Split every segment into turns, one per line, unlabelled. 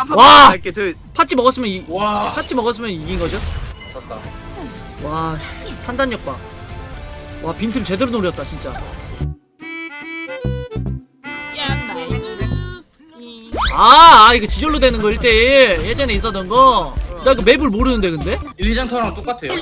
와!
할게. 저
팥찌 먹었으면
와.
팥찌 먹었으면 이긴 거죠?
졌다.
와, 씨, 판단력 봐. 와, 빈틈 제대로 노렸다, 진짜. 이거 지절로 되는 거 1대1 예전에 있었던 거. 나 그 맵을 모르는데 근데?
1, 2장 터랑 똑같아요.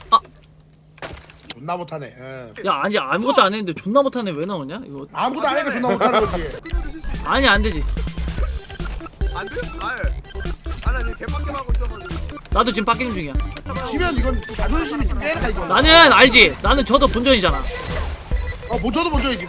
존나 못하네. 예.
야, 아니 아무것도 안 했는데 존나 못하네 왜 나오냐? 이거
아무것도 안 해도 존나 못하는 거지.
아니 안 되지.
안 돼? 나 지금 개빡겜 하고 있어가지고.
나도 지금 빡갱 중이야.
지면 이건 자존심이 좀 깨라 이거.
나는 알지. 나는 저도 본전이잖아.
저도 먼저 이기.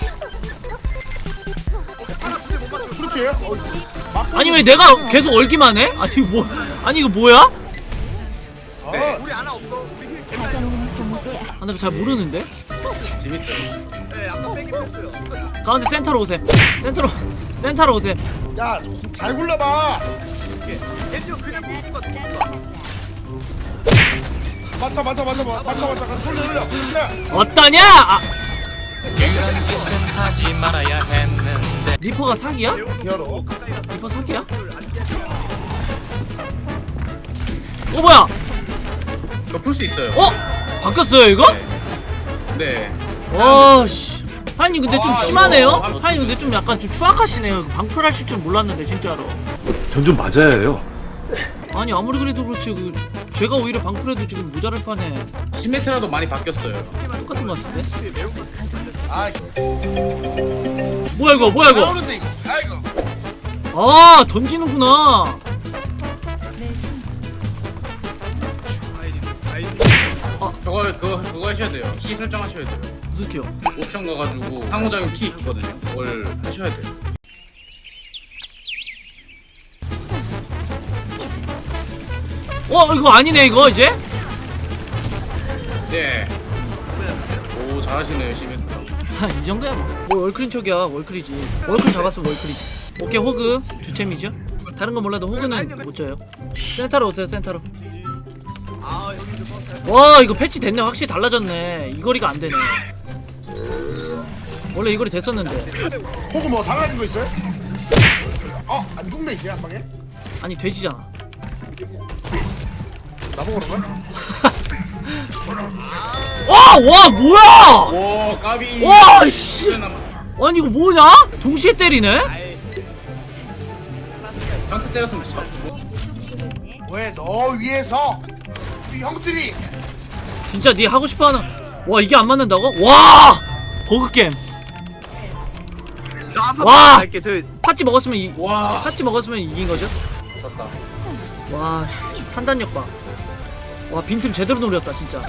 그렇지.
아니 왜 내가 계속 얼기만 해? 아니 이거 뭐야?
우리 하나 없어. 우리 힐 개빡.
사전 교무소야.
아, 나 잘 모르는데.
재밌어요.
네, 아까 빼긴 했어요.
가운데 센터로 오세요. 센터로 오세요.
야, 잘 굴러봐.
겐지로 그냥 보는 거 같아.
맞춰. 돌려. 그렇지.
어떠냐?
이런 짓은 하지 말아야 했는데.
리퍼가 사기야?
열어.
리퍼 사기야? 뭐야?
저 풀 수 있어요.
바뀌었어요 이거?
네.
와 씨. 하인님 근데 좀 심하네요.
이거
하인님 근데 좀 약간 좀 추악하시네요. 방풀 하실 줄 몰랐는데 진짜로.
전 좀 맞아야 해요.
아니 아무리 그래도 그렇지 제가 오히려 방풀해도 지금 모자랄 판에
시메트라도 많이 바뀌었어요.
똑같은 것 같은데?
매운 거.
아,
뭐야 이거?
나오는데 이거. 아이고.
아 던지는구나.
그거 하셔야 돼요. 키 설정하셔야 돼요.
무슨 키요?
옵션 가가지고 상호작용 키 있거든요. 그걸 하셔야 돼요.
이거 아니네 이거 이제?
네. 오 잘하시네요 시메트라.
이 정도야 뭐 월클인 척이야. 월클이지. 월클 잡았으면 월클이지. 오케이 호그 주챔이죠? 다른 건 몰라도 호그는 못 져요. 센터로 오세요 센터로.
여기 좀
와 이거 패치 됐네. 확실히 달라졌네. 이 거리가 안 되네. 원래 이 거리 됐었는데.
호구 뭐 달라진 거 있어요? 안 죽네 이제 한 방에.
아니 돼지잖아.
나보고 그런 거야?
와 뭐야?
와 까비.
와 씨. 아니 이거 뭐냐? 동시에 때리네?
한테 때렸으면 진짜 죽어.
왜 너 위에서 우리 형들이
진짜 네 하고 싶어하는. 와 이게 안 맞는다고? 와 버그 게임. 와!
할게. 저
팥찌 먹었으면
와.
팥찌 먹었으면 이긴 거죠?
졌다.
와 씨, 판단력 봐. 와 빈틈 제대로 노렸다 진짜.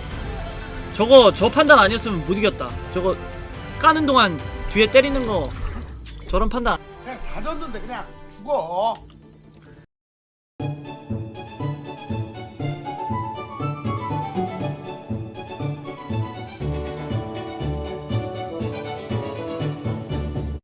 저 판단 아니었으면 못 이겼다. 저거 까는 동안 뒤에 때리는 거 저런 판단.
그냥 다 졌는데 그냥 죽어.